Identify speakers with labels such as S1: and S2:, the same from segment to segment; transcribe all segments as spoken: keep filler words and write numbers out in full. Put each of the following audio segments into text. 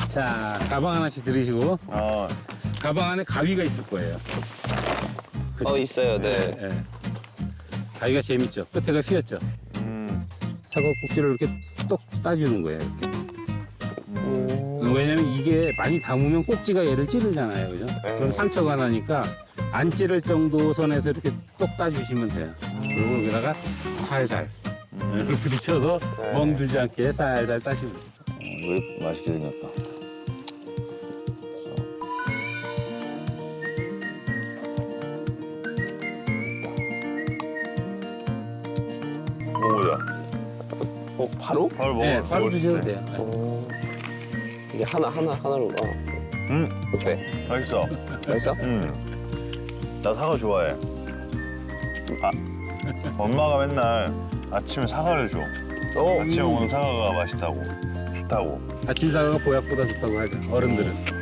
S1: 자, 가방 하나씩 들으시고
S2: 어.
S1: 가방 안에 가위가 있을 거예요. 그죠?
S3: 어 있어요. 네.
S1: 예, 예. 가위가 재밌죠. 끝에가 휘었죠.
S2: 음.
S1: 사과 꼭지를 이렇게 똑 따주는 거예요. 이렇게.
S3: 오.
S1: 왜냐면 이게 많이 담으면 꼭지가 얘를 찌르잖아요, 그죠?
S3: 네.
S1: 그럼 상처가 나니까 안 찌를 정도 선에서 이렇게 똑 따주시면 돼요. 그리고 여기다가 살살 이렇게 부딪혀서
S3: 네.
S1: 멍들지 않게 살살 따시면 돼요.
S2: 왜 맛있게 생겼다. 먹어보자.
S3: 어 바로?
S2: 바로 먹어.
S1: 네, 바로
S2: 먹을 수
S1: 드셔도
S2: 있네.
S1: 돼요. 네.
S3: 오. 이게 하나 하나 하나로 봐.
S2: 음,
S3: 어때?
S2: 맛있어.
S3: 맛있어?
S2: 음. 나 사과 좋아해. 아, 엄마가 맨날 아침에 사과를 줘.
S3: 오.
S2: 아침에 먹는 사과가 맛있다고. 좋다고.
S1: 아침 사과가 보약보다 좋다고 하죠, 어른들은.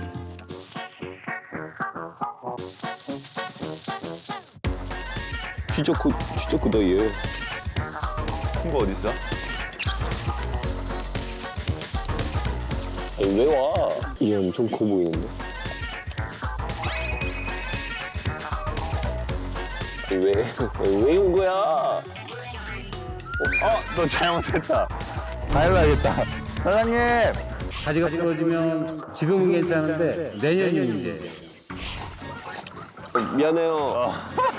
S3: 진짜 크 진짜 크다 얘.
S2: 큰 거 어디 있어?
S3: 아니, 왜 와? 얘 엄청 커 보이는데. 왜왜 온 거야?
S2: 어, 너 잘못했다. 다 일러야겠다. 사장님.
S1: 가지가 부러지면 지금은 괜찮은데 내년이 문제예요.
S3: 미안해요.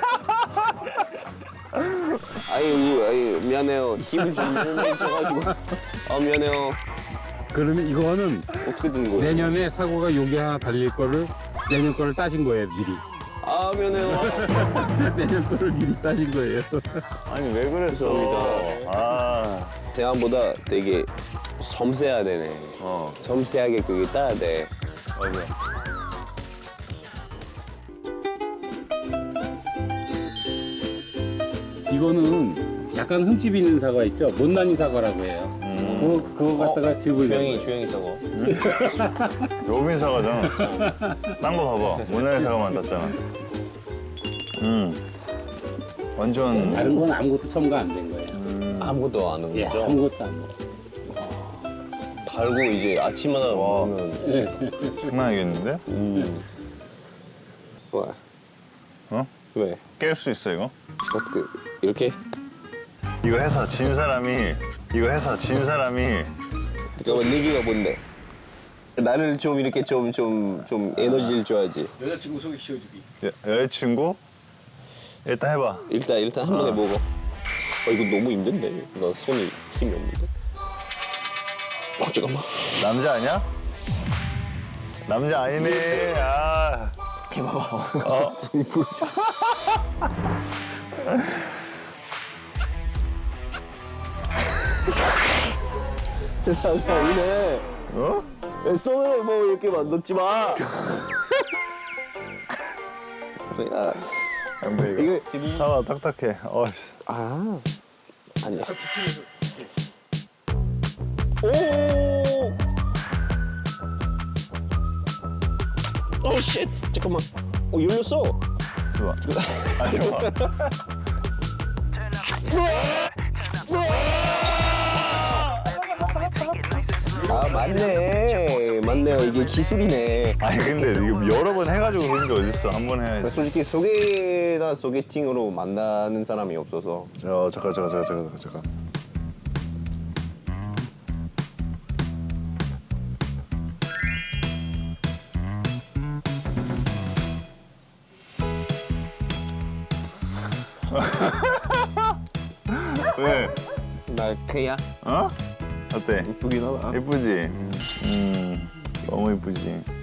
S3: 아유, 아유, 미안해요. 힘을 좀 너무 많이 줘가지고. 아, 미안해요.
S1: 그러면 이거는
S3: 어떻게 된 거예요?
S1: 내년에 사고가 여기 하나 달릴 거를 내년 거를 따진 거예요, 미리.
S3: 아, 미안해요.
S1: 내년 거를 미리 따진 거예요.
S2: 아니, 왜 그랬어?
S3: 죄송합니다.
S2: 아,
S3: 생각보다 되게 섬세하네.
S2: 어,
S3: 섬세하게 그게 따야 돼.
S2: 맞아.
S1: 이거는 약간 흠집 있는 사과 있죠? 못난이 사과라고 해요. 그거, 그거 갖다가 즙을
S3: 주영이,
S1: 내요.
S3: 주영이 저거.
S2: 로빈 사과잖아. 딴 거 봐봐. 모나리 사과만 땄잖아. 음. 완전.
S1: 다른 건 아무것도 첨가 안 된 거예요.
S3: 아무것도 안 하는
S1: 예,
S3: 거죠?
S1: 아무것도 안 먹어.
S3: 달고 이제 아침마다
S2: 와.
S3: 먹으면.
S2: 장난 아니겠는데?
S3: 음. 왜?
S2: 어?
S3: 왜?
S2: 깰 수 있어, 이거?
S3: 어떻게, 이렇게?
S2: 이거 해서 진 사람이, 이거 해서 진 사람이.
S3: 잠깐만, 내기가 뭔데? 나를 좀 이렇게 좀, 좀, 좀 에너지를 줘야지.
S1: 여자친구 소개시켜주기.
S2: 여, 여자친구? 일단 해봐.
S3: 일단, 일단 한 번에 먹어. 어, 이거 너무 힘든데? 나 손이 힘이 없는데? 어, 잠깐만.
S2: 남자 아니야? 남자 아니네. 아.
S3: 해봐봐.
S2: 어?
S3: 손이 부러졌어. 남자 아니네.
S2: 어?
S3: 야, 손을 뭐 이렇게 만들지 마. 야,
S2: 근데 이거,
S3: 이거 지금
S2: 사과 딱딱해. 어,
S3: 아 아니야. 오. 오 쉣. 잠깐만. 어 열렸어.
S2: 좋아. 아, 좋아.
S3: 아 맞네. 맞네요. 이게 기술이네.
S2: 아니, 근데 이거 여러 번 해가지고 그런 게 어딨어. 한 번 해야지.
S3: 솔직히 소개나 소개팅으로 만나는 사람이 없어서.
S2: 어, 잠깐, 잠깐, 잠깐, 잠깐, 잠깐. 왜?
S3: 나 그야
S2: 어? 어때?
S3: 이쁘긴 하다.
S2: 예쁘지? 음, 너무 예쁘지?